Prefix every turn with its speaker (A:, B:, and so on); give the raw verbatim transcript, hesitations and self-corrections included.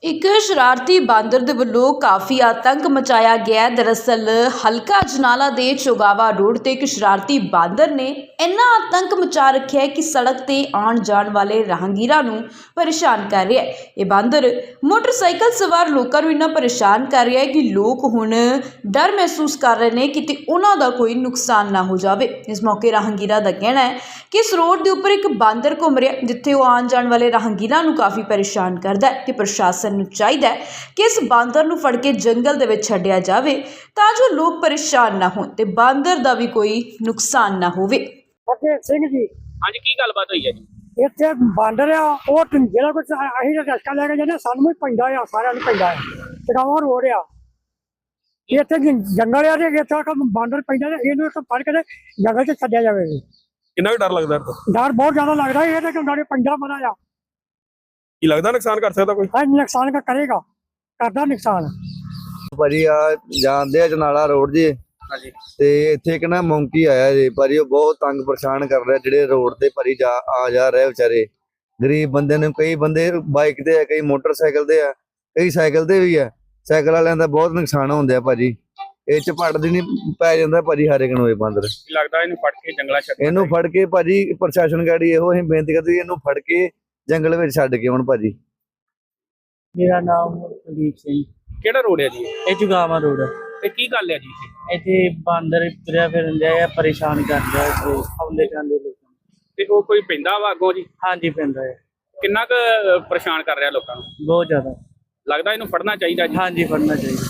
A: ਇੱਕ ਸ਼ਰਾਰਤੀ ਬਾਂਦਰ ਦੇ ਵੱਲੋਂ ਕਾਫੀ ਆਤੰਕ ਮਚਾਇਆ ਗਿਆ। ਦਰਅਸਲ ਹਲਕਾ ਅਜਨਾਲਾ ਦੇ ਚੋਗਾਵਾ ਰੋਡ ਤੇ ਇੱਕ ਸ਼ਰਾਰਤੀ ਬਾਂਦਰ ਨੇ ਇੰਨਾ ਆਤੰਕ ਮਚਾ ਰੱਖਿਆ ਹੈ ਕਿ ਸੜਕ ਤੇ ਆਉਣ ਜਾਣ ਵਾਲੇ ਰਾਹਗੀਰਾਂ ਨੂੰ ਪਰੇਸ਼ਾਨ ਕਰ ਰਿਹਾ ਹੈ। ਇਹ ਬਾਂਦਰ ਮੋਟਰਸਾਈਕਲ ਸਵਾਰ ਲੋਕਾਂ ਨੂੰ ਇੰਨਾ ਪਰੇਸ਼ਾਨ ਕਰ ਰਿਹਾ ਹੈ ਕਿ ਲੋਕ ਹੁਣ ਡਰ ਮਹਿਸੂਸ ਕਰ ਰਹੇ ਨੇ ਕਿ ਉਹਨਾਂ ਦਾ ਕੋਈ ਨੁਕਸਾਨ ਨਾ ਹੋ ਜਾਵੇ। ਇਸ ਮੌਕੇ ਰਾਹਗੀਰਾਂ ਦਾ ਕਹਿਣਾ ਹੈ ਕਿ ਇਸ ਰੋਡ ਦੇ ਉੱਪਰ ਇੱਕ ਬਾਂਦਰ ਘੁੰਮ ਰਿਹਾ, ਜਿੱਥੇ ਉਹ ਆਉਣ ਜਾਣ ਵਾਲੇ ਰਾਹਗੀਰਾਂ ਨੂੰ ਕਾਫੀ ਪਰੇਸ਼ਾਨ ਕਰਦਾ ਹੈ ਤੇ ਪ੍ਰਸ਼ਾਸਨ ਨੂੰ ਚਾਹੀਦਾ ਹੈ ਕਿ ਇਸ ਬਾਂਦਰ ਨੂੰ ਫੜ ਕੇ ਜੰਗਲ ਦੇ ਵਿੱਚ ਛੱਡਿਆ ਜਾਵੇ ਤਾਂ ਜੋ ਲੋਕ ਪਰੇਸ਼ਾਨ ਨਾ ਹੋਣ ਤੇ ਬਾਂਦਰ ਦਾ ਵੀ ਕੋਈ ਨੁਕਸਾਨ ਨਾ ਹੋਵੇ।
B: ਫਤਿਹ ਸਿੰਘ ਜੀ,
C: ਅੱਜ ਕੀ ਗੱਲਬਾਤ ਹੋਈ ਹੈ ਜੀ?
B: ਇੱਥੇ ਬਾਂਦਰ ਆ ਉਹ ਤੇ ਜਿਹੜਾ ਕੁਝ ਅਸੀਂ ਰਸਕਾ ਲੈ ਕੇ ਜਾਂਦੇ ਸਾਨੂੰ ਵੀ ਪੈਂਦਾ ਆ, ਸਾਰਿਆਂ ਨੂੰ ਪੈਂਦਾ ਆ। ਚਗਾਵਾ ਰੋਡ ਆ, ਇੱਥੇ ਜੰਗਲ ਆ ਤੇ ਇੱਥੇ ਬਾਂਦਰ ਪੈਂਦਾ ਤੇ ਇਹਨੂੰ ਇੱਕ ਫੜ ਕੇ ਜੰਗਲ 'ਚ ਛੱਡਿਆ ਜਾਵੇ।
D: ਕਿੰਨਾ ਕੁ ਡਰ ਲੱਗਦਾ ਇਹਦਾ?
B: ਡਰ ਬਹੁਤ ਜ਼ਿਆਦਾ ਲੱਗਦਾ, ਇਹ ਤਾਂ ਨਾਲੇ ਪੈਂਦਾ ਬੜਾ ਆ।
D: ਕੀ ਲੱਗਦਾ ਨੁਕਸਾਨ ਕਰ ਸਕਦਾ ਕੋਈ?
B: ਹਾਂ, ਨੁਕਸਾਨ ਕਰੇਗਾ, ਕਰਦਾ ਨੁਕਸਾਨ।
E: ਭਾਜੀ ਆ ਜਾਂਦੇ ਆ ਜਨਾਲਾ ਰੋਡ ਜੀ,
C: ਹਾਂਜੀ।
E: ਤੇ ਇੱਥੇ ਇੱਕ ਨਾ ਮੌਂਕੀ ਆਇਆ ਜੀ ਭਾਜੀ, ਉਹ ਬਹੁਤ ਤੰਗ ਪਰੇਸ਼ਾਨ ਕਰ ਰਿਹਾ ਜਿਹੜੇ ਰੋਡ ਤੇ ਭਾਜੀ ਜਾ ਆ ਜਾ ਰਹੇ ਵਿਚਾਰੇ ਗਰੀਬ ਬੰਦੇ ਨੂੰ। ਕਈ ਬੰਦੇ ਬਾਈਕ ਤੇ ਆ, ਕਈ ਮੋਟਰਸਾਈਕਲ ਤੇ ਆ, ਕਈ ਸਾਈਕਲ ਤੇ ਵੀ ਆ। ਸਾਈਕਲ ਵਾਲਿਆਂ ਦਾ ਬਹੁਤ ਨੁਕਸਾਨ ਹੁੰਦਾ ਭਾਜੀ। ਇਹ ਚ ਪੜਦੀ ਨਹੀਂ ਪੈ ਜਾਂਦਾ ਭਾਜੀ ਹਰ ਇੱਕ ਨੂੰ ਇਹ ਬਾਂਦਰ।
C: ਲੱਗਦਾ ਇਹਨੂੰ ਫੜ ਕੇ ਜੰਗਲਾਂ ਛੱਡ
E: ਇਹਨੂੰ ਫੜ ਕੇ ਭਾਜੀ ਪ੍ਰਸ਼ਾਸਨ ਗਾੜੀ ਇਹੋ ਅਸੀਂ ਬੇਨਤੀ ਕਰਦੇ ਇਹਨੂੰ ਫੜ ਕੇ ਜੰਗਲ ਵਿੱਚ ਛੱਡ ਕੇ ਹੁਣ ਭਾਜੀ।
F: ਮੇਰਾ ਨਾਮ ਕੁਲਦੀਪ ਸਿੰਘ।
C: ਕਿਹੜਾ ਰੋਡ ਹੈ ਜੀ?
F: ਇਹ ਚੁਗਾਵਾ ਰੋਡ ਹੈ।
C: ਤੇ ਕੀ ਗੱਲ ਹੈ ਜੀ ਇੱਥੇ?
F: ਇੱਥੇ ਬਾਂਦਰ ਤੁਰਿਆ ਫਿਰਨ ਡਿਆ ਆ, ਪਰੇਸ਼ਾਨ ਕਰ ਰਿਹਾ ਇੱਥੇ ਆਉਂਦੇ ਜਾਂਦੇ ਲੋਕਾਂ ਨੂੰ।
C: ਤੇ ਉਹ ਕੋਈ ਪੈਂਦਾ ਵਾ ਅੱਗੋਂ ਜੀ?
F: ਹਾਂਜੀ ਪੈਂਦਾ ਹੈ,
C: ਕਿੰਨਾ ਕੁ ਪਰੇਸ਼ਾਨ ਕਰ ਰਿਹਾ ਲੋਕਾਂ ਨੂੰ?
F: ਬਹੁਤ ਜ਼ਿਆਦਾ।
C: ਲੱਗਦਾ ਇਹਨੂੰ ਫੜਨਾ ਚਾਹੀਦਾ ਜੀ।
F: ਹਾਂਜੀ ਫੜਨਾ ਚਾਹੀਦਾ।